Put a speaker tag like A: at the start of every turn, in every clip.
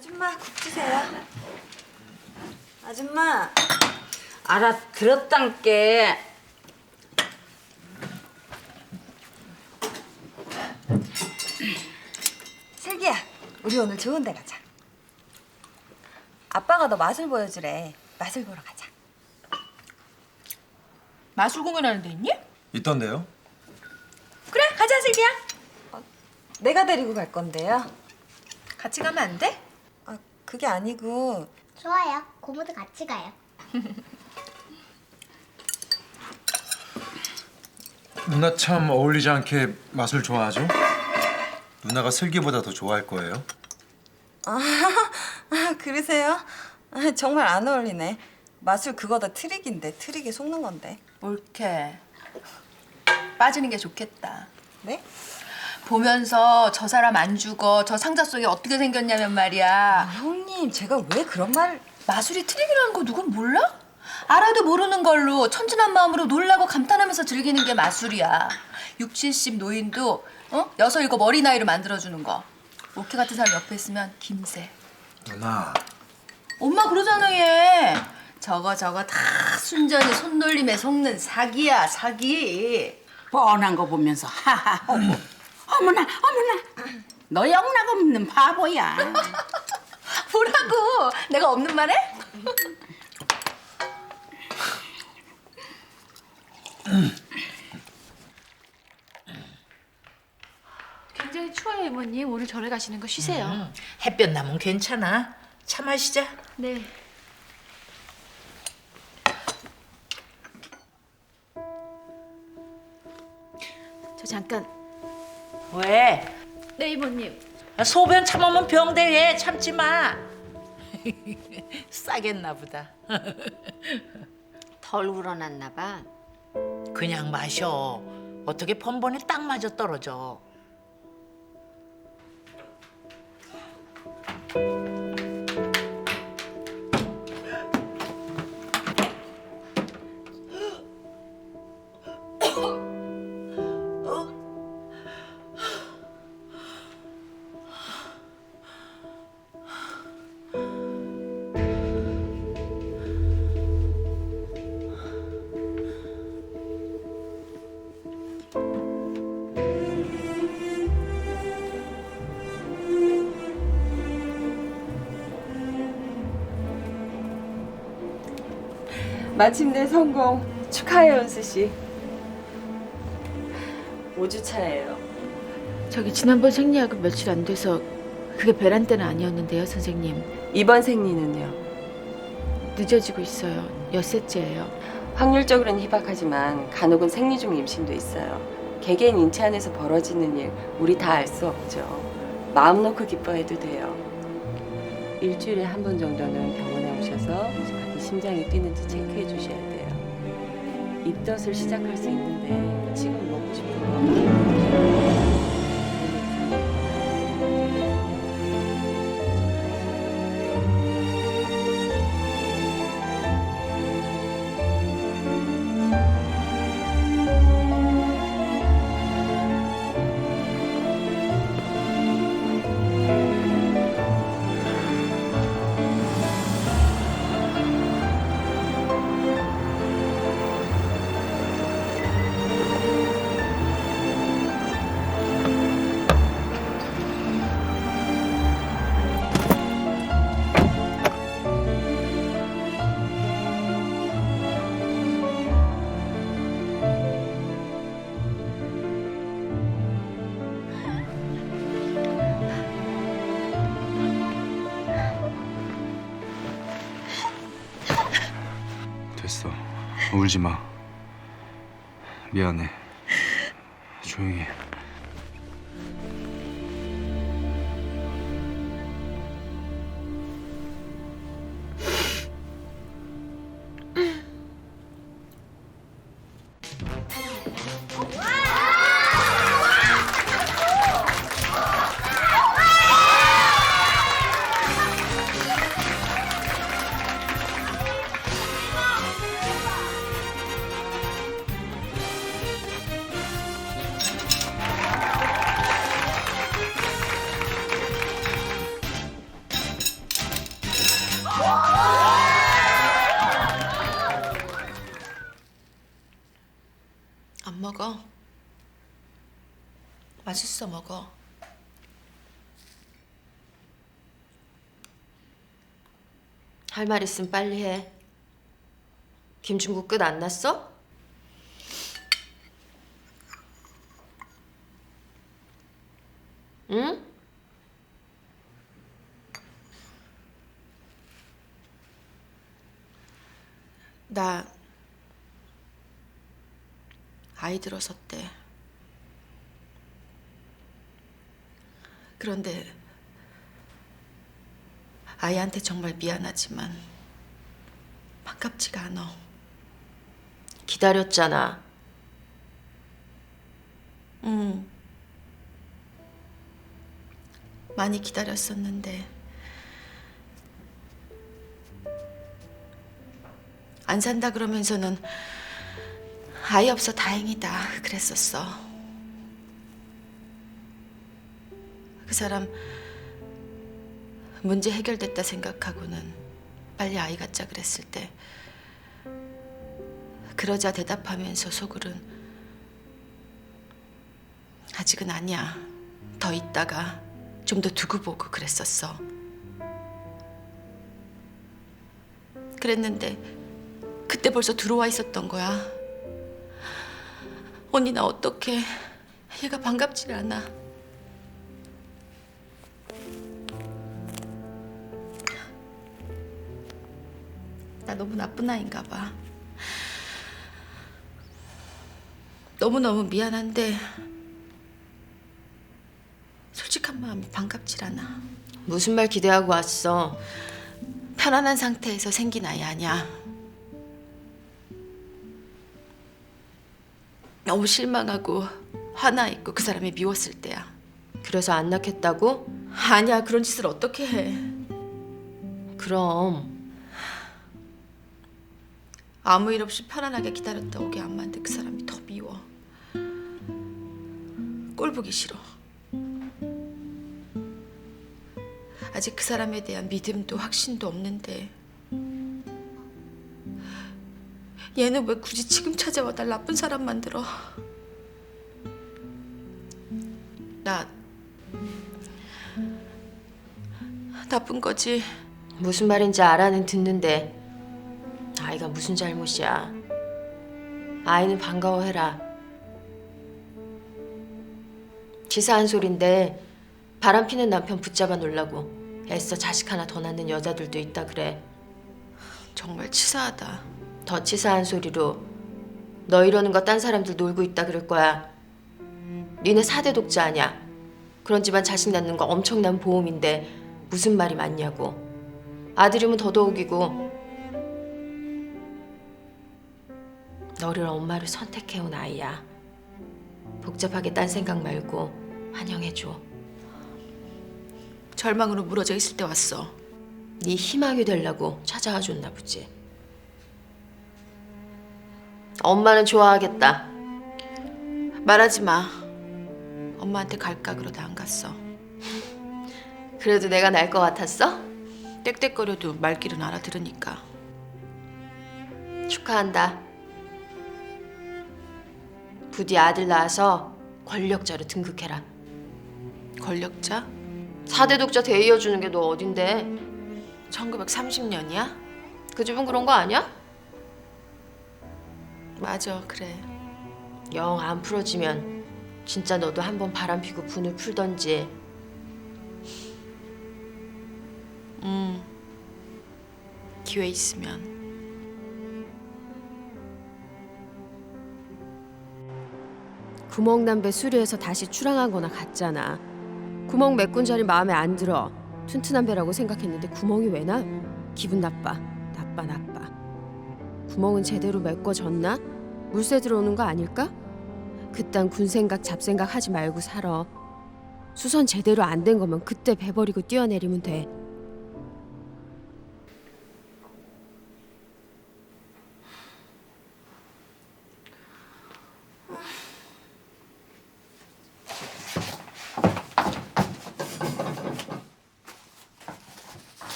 A: 아줌마 국 주세요. 아줌마.
B: 알아들었단께.
A: 슬기야, 우리 오늘 좋은 데 가자. 아빠가 너 마술 보여주래. 마술 보러 가자.
C: 마술 공연하는 데 있니?
D: 있던데요?
C: 그래, 가자 슬기야.
A: 내가 데리고 갈 건데요.
C: 같이 가면 안 돼?
A: 아, 그게 아니고
E: 좋아요. 고모도 같이 가요.
D: 누나 참 어울리지 않게 마술 좋아하죠? 누나가 슬기보다 더 좋아할 거예요.
A: 그러세요? 정말 안 어울리네. 마술 그거 다 트릭인데 트릭에 속는 건데.
C: 옳게. 빠지는 게 좋겠다.
A: 네?
C: 보면서 저 사람 안 죽어, 저 상자 속에 어떻게 생겼냐면 말이야.
A: 형님, 제가 왜 그런 말...
C: 마술이 트릭이라는 거 누군 몰라? 알아도 모르는 걸로 천진한 마음으로 놀라고 감탄하면서 즐기는 게 마술이야. 60, 70 노인도 여섯 일곱 어린 아이로 만들어주는 거. 오케 같은 사람 옆에 있으면 김새.
D: 누나.
C: 엄마 그러잖아 얘. 저거 다 순전히 손놀림에 속는 사기야 사기.
B: 뻔한 거 보면서 하하 어머. 어머나 너 영락 없는 바보야.
C: 뭐라고? 내가 없는 말해?
F: 굉장히 추워요, 이모님. 오늘 절에 가시는 거 쉬세요.
G: 햇볕 나면 괜찮아. 차 마시자.
F: 네. 저 잠깐.
G: 왜?
F: 네, 이모님.
G: 소변 참으면 병돼. 참지 마. 싸겠나 보다.
H: 덜 우러났나 봐.
G: 그냥 마셔. 어떻게 번번에 딱 맞아 떨어져.
A: 마침내 성공. 축하해요, 은수 씨. 5주 차예요.
F: 저기 지난번 생리하고 며칠 안 돼서 그게 배란 때는 아니었는데요, 선생님.
I: 이번 생리는요.
F: 늦어지고 있어요. 엿새째예요.
I: 확률적으로는 희박하지만 간혹은 생리 중 임신도 있어요. 개개인 인체 안에서 벌어지는 일 우리 다 알 수 없죠. 마음 놓고 기뻐해도 돼요. 일주일에 한 번 정도는 병원에 오셔서 아기 심장이 뛰는지 체크해 주셔야 돼요. 입덧을 시작할 수 있는데 지금 먹고 싶은 거
D: 됐어. 울지 마. 미안해. 조용히 해.
C: 맛있어 먹어.
H: 할 말 있으면 빨리 해. 김중국 끝 안 났어? 응?
F: 나 아이 들어섰대. 그런데 아이한테 정말 미안하지만 반갑지가 않아.
H: 기다렸잖아.
F: 많이 기다렸었는데 안 산다 그러면서는 아이 없어 다행이다 그랬었어. 그 사람 문제 해결됐다 생각하고는 빨리 아이 갖자 그랬을 때 그러자 대답하면서 속으론 아직은 아니야. 더 있다가 좀 더 두고 보고 그랬었어. 그랬는데 그때 벌써 들어와 있었던 거야. 언니 나 어떡해. 얘가 반갑질 않아. 나 너무 나쁜 아이인가 봐. 너무너무 미안한데 솔직한 마음이 반갑질 않아.
H: 무슨 말 기대하고 왔어?
F: 편안한 상태에서 생긴 아이 아니야. 너무 실망하고 화나 있고 그 사람이 미웠을 때야.
H: 그래서 안 낳겠다고?
F: 아니야, 그런 짓을 어떻게 해.
H: 그럼
F: 아무 일 없이 편안하게 기다렸다 오게 안 만든 그 사람이 더 미워. 꼴 보기 싫어. 아직 그 사람에 대한 믿음도 확신도 없는데 얘는 왜 굳이 지금 찾아와 날 나쁜 사람 만들어. 나 나쁜 거지.
H: 무슨 말인지 알아는 듣는데 아이가 무슨 잘못이야. 아이는 반가워해라. 치사한 소린데 바람 피는 남편 붙잡아 놓으려고 애써 자식 하나 더 낳는 여자들도 있다 그래.
F: 정말 치사하다.
H: 더 치사한 소리로 너 이러는 거 딴 사람들 놀고 있다 그럴 거야. 니네 4대 독자 아냐. 그런 집안 자식 낳는 거 엄청난 보험인데 무슨 말이 많냐고. 아들이면 더더욱이고. 너를 엄마로 선택해온 아이야. 복잡하게 딴 생각 말고 환영해줘.
F: 절망으로 무너져 있을 때 왔어.
H: 네 희망이 되려고 찾아와 줬나 보지. 엄마는 좋아하겠다.
F: 말하지 마. 엄마한테 갈까 그러다 안 갔어.
H: 그래도 내가 날 것 같았어?
F: 떽떽거려도 말귀는 알아들으니까.
H: 축하한다. 부디 아들 낳아서 권력자로 등극해라.
F: 권력자?
H: 4대 독자 대이어주는 게 너 어딘데?
F: 1930년이야?
H: 그 집은 그런 거 아니야?
F: 맞아, 그래.
H: 영 안 풀어지면 진짜 너도 한번 바람 피고 분을 풀던지.
F: 기회 있으면.
J: 구멍담배 수리해서 다시 출항한 거나 같잖아. 구멍 메꾼 자리 마음에 안 들어. 튼튼한 배라고 생각했는데 구멍이 왜 나? 기분 나빠. 나빠. 구멍은 제대로 메꿔졌나? 물새 들어오는 거 아닐까? 그딴 군생각 잡생각 하지 말고 살아. 수선 제대로 안 된 거면 그때 배 버리고 뛰어내리면 돼.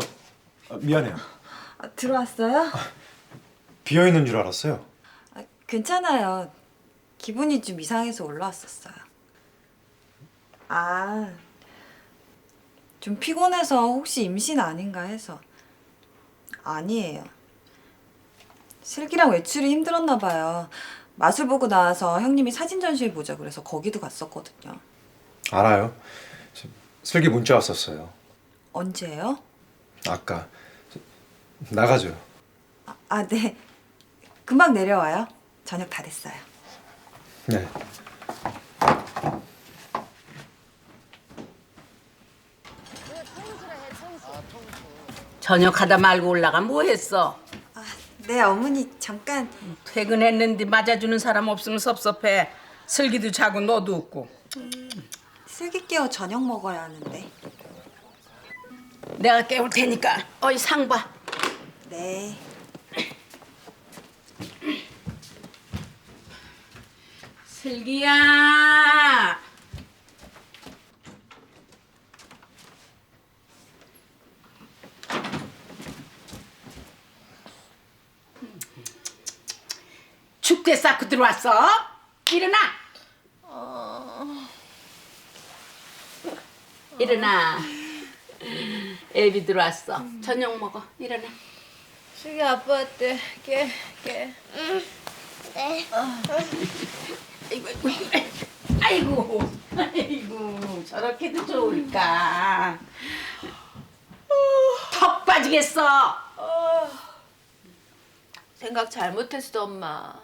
D: 미안해요.
A: 들어왔어요?
D: 비어 있는 줄 알았어요.
A: 괜찮아요. 기분이 좀 이상해서 올라왔었어요. 아, 좀 피곤해서 혹시 임신 아닌가 해서. 아니에요. 슬기랑 외출이 힘들었나 봐요. 마술 보고 나와서 형님이 사진 전시회 보자 그래서 거기도 갔었거든요.
D: 알아요. 슬기 문자 왔었어요.
A: 언제예요?
D: 아까. 나가죠.
A: 네. 금방 내려와요. 저녁 다 됐어요.
D: 네.
B: 저녁하다 말고 올라가 뭐 했어?
A: 네, 어머니 잠깐.
B: 퇴근했는데 맞아주는 사람 없으면 섭섭해. 슬기도 자고 너도 없고.
A: 슬기 깨워 저녁 먹어야 하는데.
B: 내가 깨울 테니까 어이 상 봐.
A: 네.
B: 슬기야. 축제 쌓고 들어왔어? 일어나. 일어나. 애비 들어왔어. 저녁 먹어. 일어나.
C: 슬기 아빠한테 깨.
E: 네.
B: 아이고, 저렇게도 좋을까? 턱 빠지겠어.
C: 생각 잘못했어 엄마.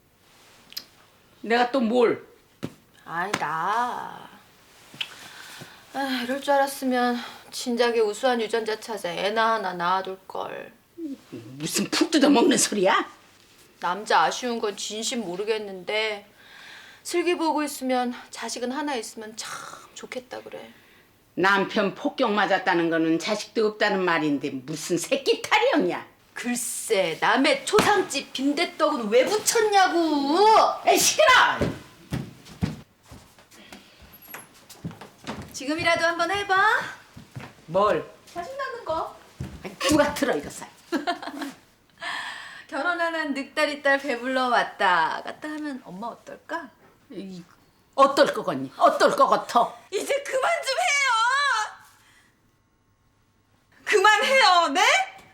B: 내가 또 뭘?
C: 아니 나. 이럴 줄 알았으면 진작에 우수한 유전자 찾아 애나 하나 낳아둘 걸.
B: 무슨 푹 뜯어 먹는 소리야?
C: 남자 아쉬운 건 진심 모르겠는데 슬기 보고 있으면 자식은 하나 있으면 참 좋겠다 그래.
B: 남편 폭격 맞았다는 거는 자식도 없다는 말인데 무슨 새끼 탈이었냐?
C: 글쎄 남의 초상집 빈대떡은 왜 붙였냐고.
B: 에이 시끄러!
C: 지금이라도 한번 해봐.
B: 뭘?
C: 자식 낳는 거.
B: 누가 틀어 이거 살?
C: 결혼하는 늑다리 딸 배불러 왔다 갔다 하면 엄마 어떨까?
B: 어떨 거겠니? 어떨 거 같아?
A: 이제 그만 좀 해요. 그만해요. 네?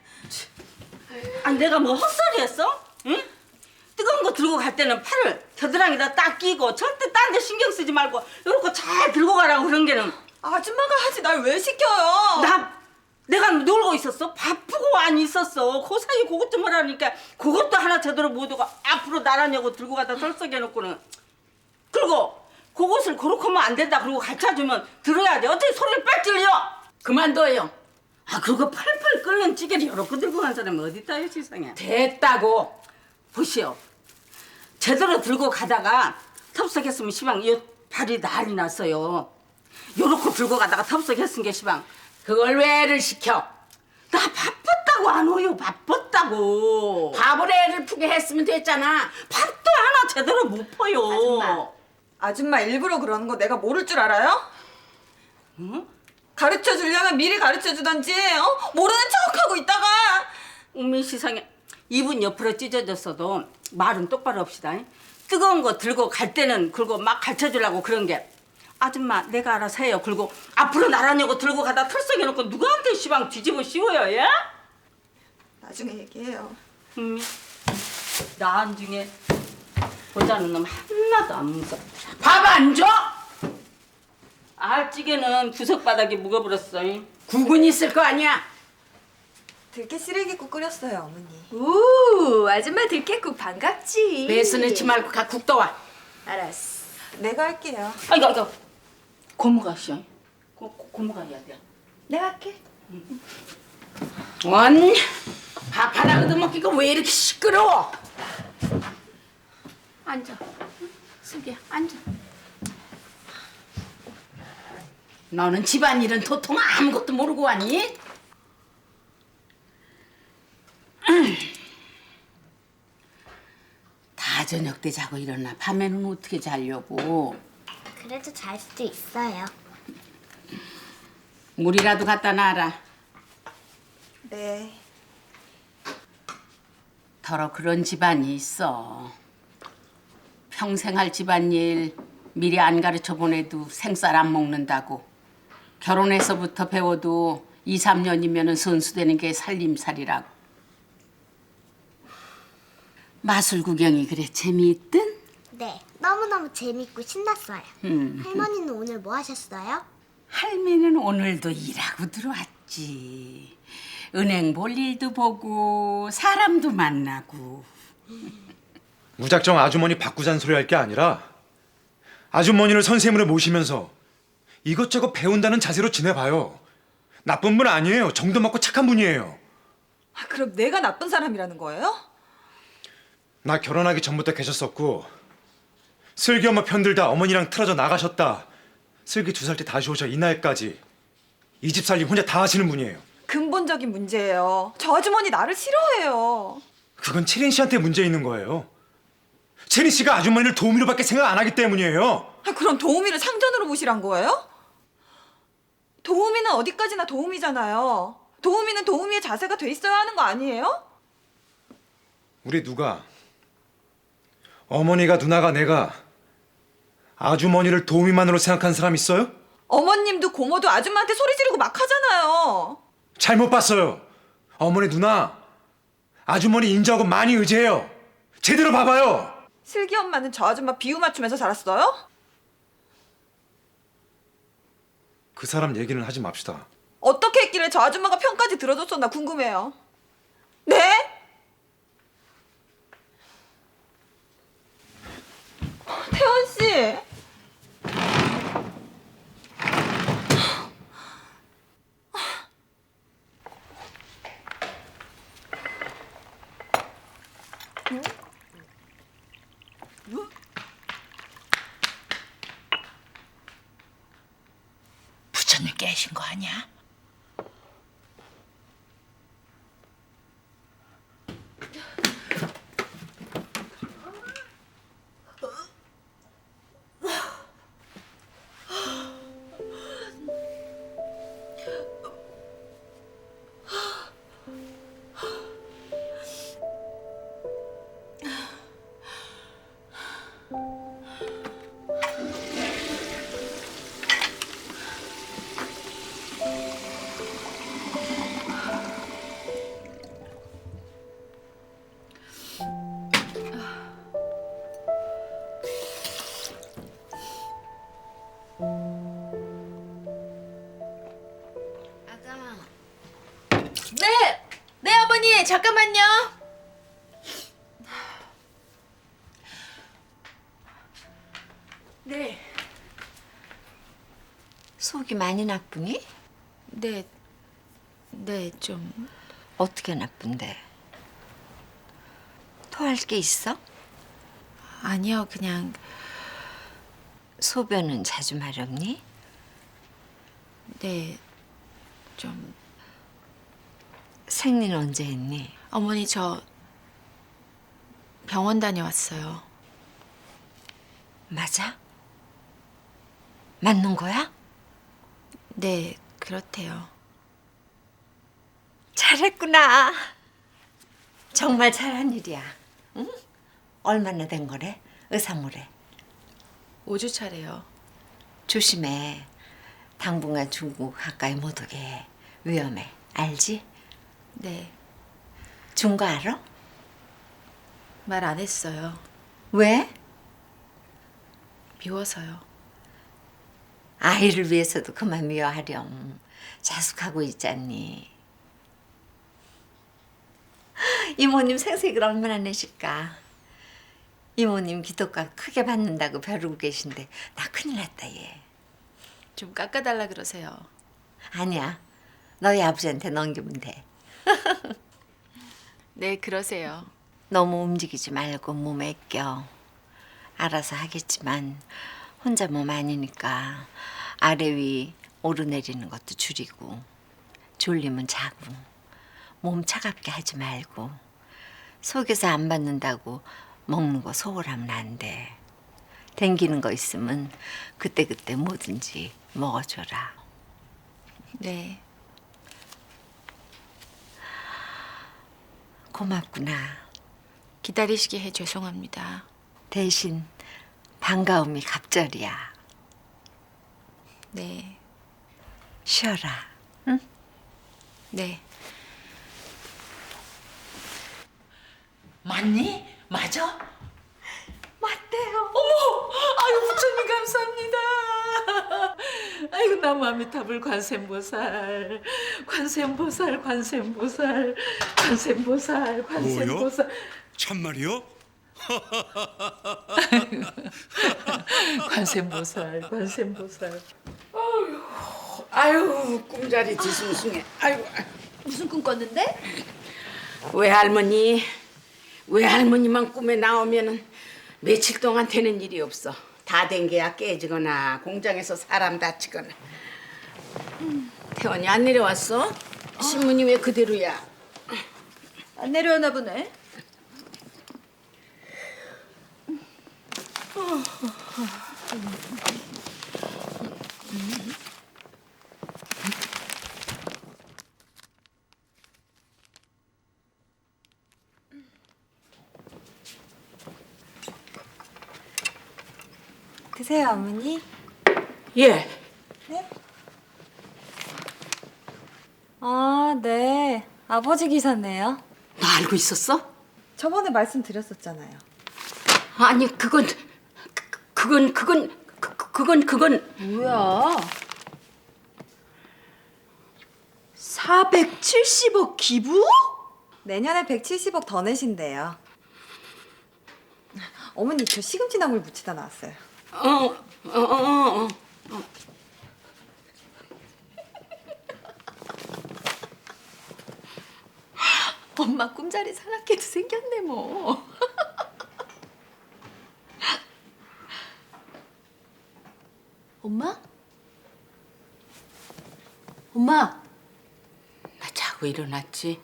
K: 아니 내가 뭐 헛소리 했어? 응? 뜨거운 거 들고 갈 때는 팔을 겨드랑이다 딱 끼고 절대 딴 데 신경 쓰지 말고 요렇게 잘 들고 가라고 그런 게는.
A: 아줌마가 하지 날 왜 시켜요?
K: 내가 놀고 있었어? 바쁘고 안 있었어. 그 사이 그것 좀 하라니까 그것도 하나 제대로 못 오고 앞으로 나란히고 들고 가다 덜썩여놓고는. 그리고 그것을 그렇게 하면 안 된다 그러고 가르쳐주면 들어야 돼. 어떻게 소리를 빽 질려?
B: 그만둬요.
K: 그리고 팔팔 끓는 찌개를 요렇게 들고 간 사람이 어딨다요 세상에.
B: 됐다고.
K: 보시오. 제대로 들고 가다가 텁석했으면 시방 이 발이 난리 났어요. 요렇게 들고 가다가 텁석했은 게 시방.
B: 그걸 왜 애를 시켜?
K: 나 바빴다고 안 오요. 바빴다고.
B: 밥을 애를 푸게 했으면 됐잖아.
K: 밥도 하나 제대로 못 퍼요.
A: 아줌마 일부러 그러는 거 내가 모를 줄 알아요?
K: 응?
A: 가르쳐 주려면 미리 가르쳐 주던지 모르는 척하고 있다가.
K: 어머 세상에. 입은 옆으로 찢어졌어도 말은 똑바로 합시다. 뜨거운 거 들고 갈 때는 그리고 막 가르쳐 주려고 그런 게. 아줌마 내가 알아서 해요. 그리고 앞으로 나란히고 들고 가다 털썩여놓고 누구한테 시방 뒤집어 씌워요. 예?
A: 나중에 얘기해요.
K: 나중에 보자는 놈 하나도 안 무섭다.
B: 밥 안 줘?
K: 알찌개는 구석바닥에 묵어버렸어.
B: 국은 있을 거 아니야?
A: 들깨 시래기국 끓였어요, 어머니.
C: 우 아줌마 들깨국 반갑지.
B: 배스 넣지 말고 가 국 떠와.
C: 알았어.
A: 내가 할게요.
K: 아이고 고모가 씨요. 고모가 해야 돼.
C: 내가 할게.
B: 원. 밥 하나 얻어먹기가 왜 이렇게 시끄러워? 앉아. 슬기야 앉아. 너는 집안일은 도통 아무것도 모르고 왔니? 다 저녁 때 자고 일어나. 밤에는 어떻게 자려고?
E: 그래도 잘 수도 있어요.
B: 물이라도 갖다 놔라.
A: 네.
B: 더러 그런 집안이 있어. 평생 할 집안일 미리 안 가르쳐 보내도 생쌀 안 먹는다고. 결혼해서부터 배워도 2, 3년이면 선수되는 게 살림살이라고. 마술 구경이 그래 재미있든?
E: 네, 너무너무 재밌고 신났어요. 할머니는 오늘 뭐 하셨어요?
B: 할매는 오늘도 일하고 들어왔지. 은행 볼 일도 보고 사람도 만나고.
D: 무작정 아주머니 바꾸자는 소리 할 게 아니라 아주머니를 선생님으로 모시면서 이것저것 배운다는 자세로 지내봐요. 나쁜 분 아니에요. 정도 맞고 착한 분이에요.
A: 아, 그럼 내가 나쁜 사람이라는 거예요?
D: 나 결혼하기 전부터 계셨었고 슬기 엄마 편들다 어머니랑 틀어져 나가셨다. 슬기 2살 때 다시 오셔 이 날까지 이 집 살림 혼자 다 하시는 분이에요.
A: 근본적인 문제예요. 저 아주머니 나를 싫어해요.
D: 그건 채린 씨한테 문제 있는 거예요. 채린 씨가 아주머니를 도우미로밖에 생각 안 하기 때문이에요.
A: 아, 그럼 도우미를 상전으로 모시란 거예요? 도우미는 어디까지나 도우미잖아요. 도우미는 도우미의 자세가 돼 있어야 하는 거 아니에요?
D: 우리 누가 어머니가 누나가 내가 아주머니를 도우미만으로 생각한 사람 있어요?
A: 어머님도 고모도 아줌마한테 소리 지르고 막 하잖아요.
D: 잘못 봤어요. 어머니 누나 아주머니 인정하고 많이 의지해요. 제대로 봐봐요.
A: 슬기 엄마는 저 아줌마 비유 맞추면서 자랐어요?
D: 그 사람 얘기는 하지 맙시다.
A: 어떻게 했길래 저 아줌마가 편까지 들어줬었나 궁금해요. 네? 태원 씨.
G: 부처님 깨신 거 아니야?
F: 네 어머니 잠깐만요.
H: 네. 속이 많이 나쁘니?
F: 네 좀.
H: 어떻게 나쁜데? 토할 게 있어?
F: 아니요 그냥.
H: 소변은 자주 마렵니?
F: 네 좀.
H: 생리는 언제 했니?
F: 어머니 저 병원 다녀왔어요.
H: 맞아? 맞는 거야?
F: 네 그렇대요.
H: 잘했구나. 정말 잘한 일이야. 응? 얼마나 된 거래? 의사모래.
F: 5주 차래요.
H: 조심해. 당분간 중국 가까이 못 오게 해. 위험해. 알지?
F: 네.
H: 준 거 알아?
F: 말 안 했어요.
H: 왜?
F: 미워서요.
H: 아이를 위해서도 그만 미워하렴. 자숙하고 있잖니. 이모님 생색을 얼마나 내실까. 이모님 기독가 크게 받는다고 벼르고 계신데 나 큰일 났다 얘.
F: 좀 깎아달라 그러세요.
H: 아니야. 너희 아버지한테 넘기면 돼.
F: 네 그러세요.
H: 너무 움직이지 말고 몸에 껴. 알아서 하겠지만 혼자 몸 아니니까 아래 위 오르내리는 것도 줄이고 졸리면 자고 몸 차갑게 하지 말고 속에서 안 받는다고 먹는 거 소홀하면 안 돼. 댕기는 거 있으면 그때그때 뭐든지 먹어줘라.
F: 네.
H: 고맙구나.
F: 기다리시게 해 죄송합니다.
H: 대신
L: 반가움이 갑절이야.
H: 네,
L: 쉬어라.
H: 네.
G: 맞니? 맞아?
L: 맞대요.
G: 어머! 아유 부처님 감사합니다. 아이고 나무아미타불 관세음보살, 관세음보살, 관세음보살, 관세음보살, 관세음보살.
M: 참말이요?
G: 관세음보살, 관세음보살. 아유 꿈자리 뒤숭숭해. 아이고.
C: 무슨 꿈 꿨는데?
B: 외할머니만 꿈에 나오면은 며칠 동안 되는 일이 없어. 다 된 게야 깨지거나 공장에서 사람 다치거나. 태원이 안 내려왔어? 신문이 왜 그대로야?
C: 안 내려오나 보네.
A: 드세요, 어머니.
B: 예.
A: 아, 네. 아버지 기사네요.
B: 너 알고 있었어?
A: 저번에 말씀드렸었잖아요.
B: 아니 그건
C: 뭐야? 470억 기부?
A: 내년에 170억 더 내신대요. 어머니, 저 시금치 나물 무치다 나왔어요.
C: 엄마 꿈자리 사납게도 생겼네 뭐. 엄마? 엄마?
B: 나 자고 일어났지.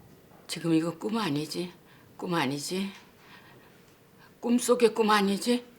B: 지금 이거 꿈 아니지? 꿈 아니지? 꿈속의 꿈 아니지?